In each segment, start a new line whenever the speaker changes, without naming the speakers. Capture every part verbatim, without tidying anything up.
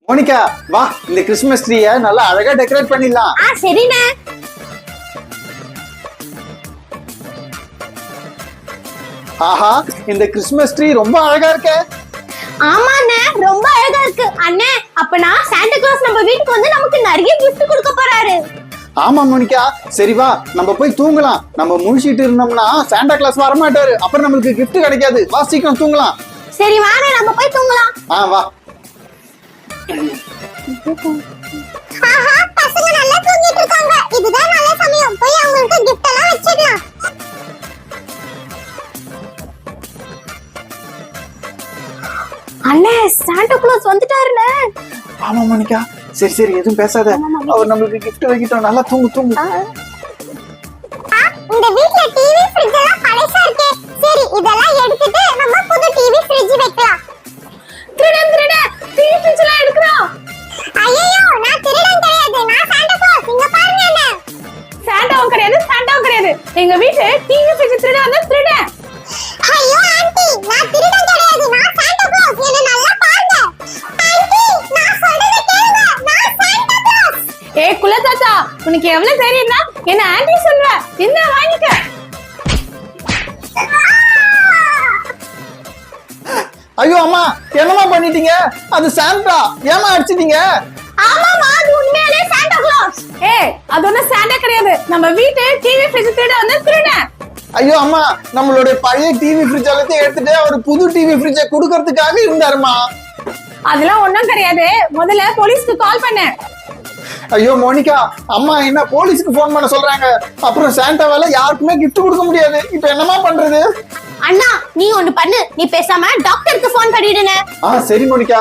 Monica வா, இந்த Christmas ட்ரீயை நல்லா அழகா டெக்கரேட் பண்ணிடலாம்.
ஆ சரிண்ணே.
ஆஹா, இந்த கிறிஸ்மஸ் ட்ரீ ரொம்ப அழகா இருக்கே.
ஆமாண்ணே, ரொம்ப அழகா இருக்கு. அண்ணே, அப்பனா சாண்டா கிளாஸ் நம்ம வீட்டுக்கு வந்து நமக்கு நிறைய கிஃப்ட் கொடுக்க போறாரு.
ஆமா மோனிகா, சரி வா நம்ம போய் தூங்கலாம். நம்ம முழிச்சிட்டு இருந்தோம்னா சாண்டா கிளாஸ் வர மாட்டாரு, அப்புறம் நம்மளுக்கு gift கிடைக்காது. வா சீக்கிரம் தூங்கலாம்.
சரி வாங்க, நம்ம போய் தூங்கலாம்.
ஆ வா.
ஆஹா, பசங்க நல்லா தூங்கிட்டு இருக்காங்க. இதுதான் நல்ல சமயம். போய் அவங்களுக்கு gift எல்லாம் வச்சிடலாம். அண்ணே, சாண்டா கிளாஸ் வந்துட்டாருல.
ஆமா மோனிகா, சரி சரி எதுவும் பேசாத. அவர் நம்மளுக்கு gift வைக்கிட்டோம். நல்லா தூங்கு தூங்கு.
இந்த வீட்ல டிவி ஃப்ரிட்ஜ் எல்லாம் பழசா இருக்கே. சரி, இதெல்லாம் எடுத்துட்டு நம்ம புது டிவி ஃப்ரிட்ஜ் வைக்கலாம். திருடன் திருடன் டிவி ஃப்ரிட்ஜ் எல்லாம் எடுக்கறோம். ஐயோ, நான் திருடன் கிடையாது. நான் சாண்டா கிளாஸ். இங்க பாருங்க என்ன. சாண்டாவும் கிடையாது, சாண்டாவும் கிடையாது. எங்க வீட்டு டிவி ஃப்ரிட்ஜ் திருட வந்தா திருடன். ஐயோ ஆன்ட்டி, நான் திருடன் கிடையாது. நான் சாண்டா கிளாஸ். என்ன நல்லா பாருங்க. ஆன்ட்டி, நான் சொல்றத கேளுங்க. நான் சாண்டா கிளாஸ். ஏய் குல தாத்தா, உனக்கு எவ்வளவு தைரியம்னா என்ன ஆன்ட்டி சொல்ற? என்ன வாங்கிக்க.
ஐயோ அம்மா, என்னமா பண்ணிட்டீங்க? அது சாண்டா. ஏமா அடிச்சிட்டீங்க?
ஆமாமா, அது உண்மையிலே சாண்டா கிளாஸ். ஏய், அது ஒண்ணு சாண்டா கிடையாது. நம்ம வீட்டு டிவி ஃப்ரிட்ஜ் திருட வந்து திருடன்.
ஐயோ அம்மா, நம்மளுடைய பழைய டிவி ஃப்ரிட்ஜ் எல்லாத்தையும் எடுத்துட்டு அவர் புது டிவி ஃப்ரிட்ஜை கொடுக்கறதுக்காக இருந்தாருமா.
அதெல்லாம் ஒண்ணும் கிடையாது. முதல்ல போலீஸ்க்கு கால் பண்ணு.
ஐயோ மோனிகா, அம்மா என்ன போலீஸ்க்கு போன் பண்ண சொல்றாங்க. அப்புறம் சாண்டாவால யாருக்குமே gift கொடுக்க முடியாது. இப்போ என்னமா பண்றது?
அண்ணா, நீ ஒண்ணு பண்ணு. நீ பேசாம டாக்டருக்கு போன் பண்ணிடுனே.
ஆ சரி மோனிகா.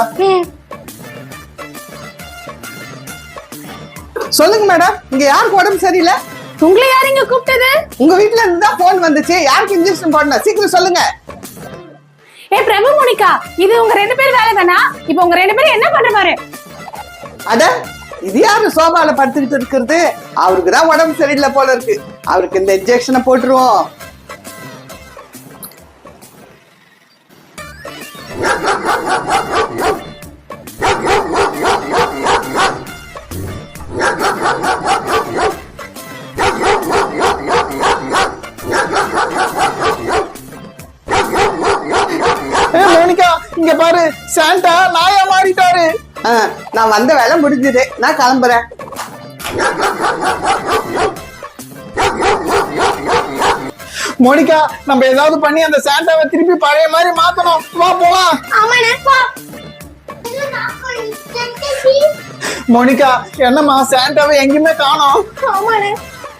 சொல்லுங்க மேடம், இங்க யாருக்கு உடம்பு சரியில்லை?
உங்களை யார் இங்க கூப்பிட்டது?
உங்க வீட்ல இருந்து தான் போன் வந்துச்சு. யாருக்கு இன்ஜெக்ஷன் போடணும், சீக்கிரம் சொல்லுங்க.
ஏ பிரபு மோனிகா, இது உங்க ரெண்டு பேர் வேலை தானா? இப்போ உங்க ரெண்டு பேரும் என்ன பண்ற பாரு.
அட, இது யாரு சோபால படுத்துக்கிட்டு இருக்கிறது? அவருக்கு தான் உடம்பு சரியில்லை போல இருக்கு. அவருக்கு இந்த இன்ஜெக்ஷனை போட்டுருவோம்.
ஏ மோனிகா, இங்க பாரு, சாண்டா நாயா மாறிட்டாரு.
ஆ, நான் வந்த வேலை முடிஞ்சது. நான் கிளம்புறேன்.
மோனிகா, நம்ம ஏதாவது பண்ணி அந்த சாண்டாவை திருப்பி பழைய மாதிரி மாத்தணும். வா போலாம்.
ஆமாண்ணே, போ.
மோனிகா, என்னம்மா சாண்டாவை எங்கேயுமே காணோம்.
ஆமாண்ணே.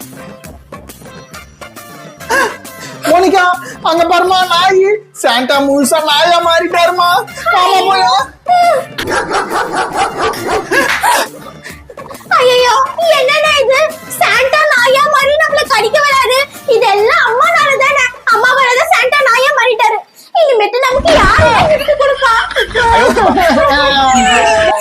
மோனிகா, அங்க பாருமா நாய். சாண்டா முழுசா நாயா மாறிட்டாருமா. ஆமா போயா.
ஐயோ, என்னடா இது? சாண்டா நாயா மாதிரி நம்மள கடிக்க வராரு. இதெல்லாம் அம்மானால தானே. அம்மாவால தான் சாண்டா நாயா மாறிட்டாரு. இனிமேட்டு நமக்கு யாரு gift கொடுப்பா?